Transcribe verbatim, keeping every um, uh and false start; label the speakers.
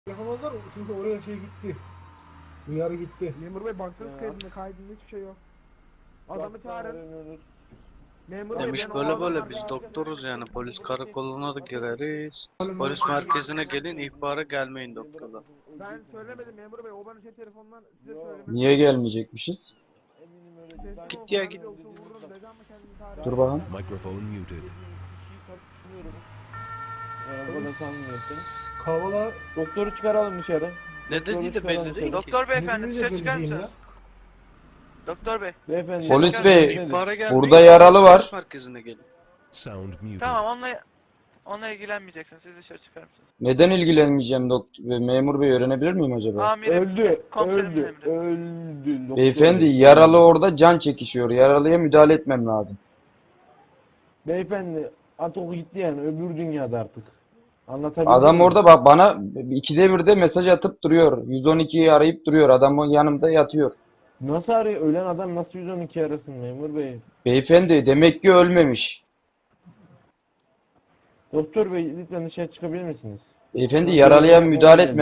Speaker 1: Yapamazlar çünkü oraya şey gitti. Uyarı gitti.
Speaker 2: Memur bey baktınız
Speaker 3: Ya.
Speaker 2: kaydında kaydında hiçbir şey yok. Adamı çağırın. Memur bey
Speaker 4: Demiş
Speaker 2: ben o
Speaker 4: böyle
Speaker 2: adamı
Speaker 4: böyle biz
Speaker 2: arayacağım.
Speaker 4: doktoruz yani polis karakoluna da gireriz.
Speaker 1: Oğlum,
Speaker 4: Polis
Speaker 1: oğlum.
Speaker 4: merkezine gelin ihbara gelmeyin doktora.
Speaker 2: Ben söylemedim memur bey o bana şey telefondan size
Speaker 3: Yok.
Speaker 2: söylemedi.
Speaker 5: Niye gelmeyecekmişiz?
Speaker 3: Eminim öyle
Speaker 2: Teslim
Speaker 3: değil. Ben-
Speaker 2: ol
Speaker 4: Git ya,
Speaker 2: falan
Speaker 4: git.
Speaker 2: yoksa vururum dedi ama kendini tarih.
Speaker 5: Dur bakalım.
Speaker 6: Microphone muted.
Speaker 3: Bir şey katılmıyorum. Ee, bu kadar sanmıyorsun.
Speaker 1: Kavala
Speaker 3: Doktoru çıkaralım dışarı.
Speaker 4: Ne dediği de belli değil ki.
Speaker 7: Doktor beyefendi
Speaker 1: Birbirine
Speaker 7: dışarı çıkar
Speaker 1: benziyor
Speaker 7: mısınız? Doktor bey.
Speaker 3: Beyefendi.
Speaker 5: Polis
Speaker 3: dışarı
Speaker 5: bey,
Speaker 3: gidelim.
Speaker 4: İhbara gelmeyin.
Speaker 5: Burada yaralı var.
Speaker 4: Polis merkezine gelin.
Speaker 6: Sound muted.
Speaker 7: Tamam onunla onunla ilgilenmeyeceksiniz. Siz dışarı çıkar mısınız?
Speaker 5: Neden ilgilenmeyeceğim doktor memur bey öğrenebilir miyim acaba?
Speaker 7: Amirim.
Speaker 3: Öldü.
Speaker 7: Komiserim
Speaker 3: Öldü.
Speaker 7: emri.
Speaker 3: Öldü. Doktor
Speaker 5: Beyefendi
Speaker 3: bey.
Speaker 5: yaralı orada can çekişiyor. Yaralıya müdahale etmem lazım.
Speaker 3: Beyefendi artık o gitti yani öbür dünyada artık. Anlatabildim
Speaker 5: Adam
Speaker 3: mi?
Speaker 5: orada bak bana ikide birde mesaj atıp duruyor. yüz on ikiyi arayıp duruyor. Adam o yanımda yatıyor.
Speaker 3: Nasıl arıyor? Ölen adam nasıl yüz on iki arasın memur bey?
Speaker 5: Beyefendi demek ki ölmemiş.
Speaker 3: Doktor bey lütfen dışarı çıkabilir misiniz?
Speaker 5: Beyefendi yaralıya müdahale etmem